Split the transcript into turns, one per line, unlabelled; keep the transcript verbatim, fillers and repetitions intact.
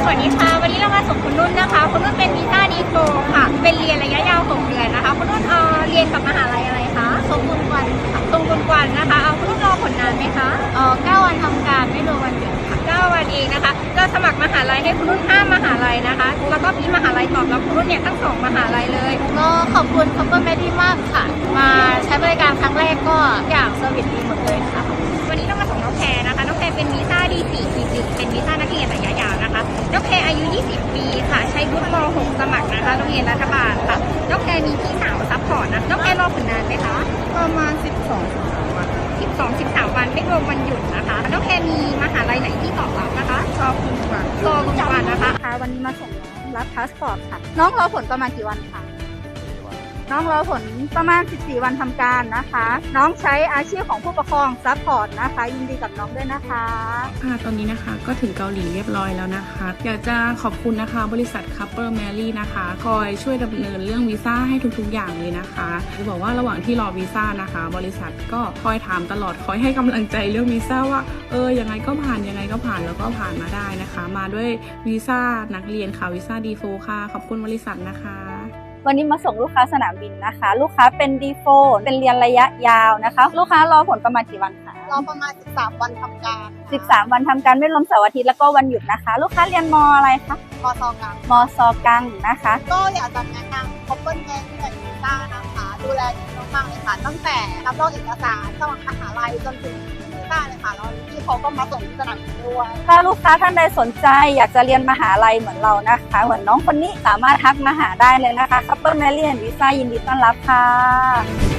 วัสดีค่ะวันนี้เรามาส่งคุณนุ่นนะคะคุณนุ่นเป็นวีซ่าดีโฟค่ะเป็นเรียนระยะยาวหกเดือนนะคะคุณนุ่นเอ่อเรียนกับมหาลัยอะไรคะทรงกุลกวันค่ะทรงกุลกวันนะคะเอาคุณนุ่นรอผลนานไหมคะเอ่อเก้าวันทำการไม่รวมวันหยุดค่ะเก้าวันเองนะคะจะสมัครมหาลัยให้คุณนุ่นห้ามหาลัยนะคะแล้วก็มีมหาลัยตอบรับคุณนุ่นเนี่ยทั้งสองมหาลัยเลยก็ขอบคุณคัพเปอร์แมดี้มากค่ะมาใช้บริการครั้งแรกก็อย่างเซอร์วิสดีหมดเลยค่ะวันนี้เรามาส่งน้องแพรนะคะน้องแพรเป็นวีซ่า ดี สี่ ที หนึ่ง เป็นวีซ่านักเรียนระยะยาวนะคะน้องแพรอายุยี่สิบปีค่ะใช้วุฒิม หก สมัครนะคะโรงเรียนรัฐบาลค่ะน้องแพรมีพี่สาวซัพพอร์ตนะน้องแพรรอผลนานไหมคะประมาณสิบสอง สิบสอง สิบสามวันไม่รวมวันหยุดนะคะน้องแพรมีมหาลัยไหนที่ตอบรับนะคะชอบคุณกว่าชอบคุณกว่านะคะวันนี้มาส่งน้องรับพาสปอร์ตค่ะน้องรอผลประมาณกี่วันคะน้องรอผลประมาณสิบสี่วันทำการนะคะน้องใช้อาชีพของผู้ปกครองซัพพอร์ตนะคะยินดีกับน้องด้วยนะคะ
ค่ะตอนนี้นะคะก็ถึงเกาหลีเรียบร้อยแล้วนะคะอยากจะขอบคุณนะคะบริษัท Couple Mary นะคะคอยช่วยดำเนินเรื่องวีซ่าให้ทุกๆอย่างเลยนะคะจะบอกว่าระหว่างที่รอวีซ่านะคะบริษัทก็คอยถามตลอดคอยให้กำลังใจเรื่องวีซ่าว่าเออยังไงก็ผ่านยังไงก็ผ่านแล้วก็ผ่านมาได้นะคะมาด้วยวีซ่านักเรียนค่ะวีซ่า ดี โฟร์ ค่ะขอบคุณบริษัทนะคะ
วันนี้มาส่งลูกค้าสนามบินนะคะลูกค้าเป็น ดี โฟร์ เป็นเรียนระยะยาวนะคะลูกค้ารอผลประมาณกี่วันคะ
รอประมาณสิบสามวันทำการ
สิบสามวันทำการไม่รวมเสาร์อาทิตย์แล้วก็วันหยุดนะคะลูกค้าเรียนมอะไรคะ
มอซอกัง
มซอกังนะคะ
ก็อยากจะแนะนำ Couple Mary และวีซ่านะคะดูแลดีมากๆเลยค่ะตั้งแต่รับรองเอกสารสมัครมหาลัยจนถึงวีซ่าเลยค่ะแล้วที่เขาก็มาส่งที่สนามบินด้วย
ถ้าลูกค้าท่านใดสนใจอยากจะเรียนมหาลัยเหมือนเรานะคะเหมือนน้องคนนี้สามารถทักมาหาได้เลยนะคะ Couple Mary และวีซ่ายินดีต้อนรับค่ะ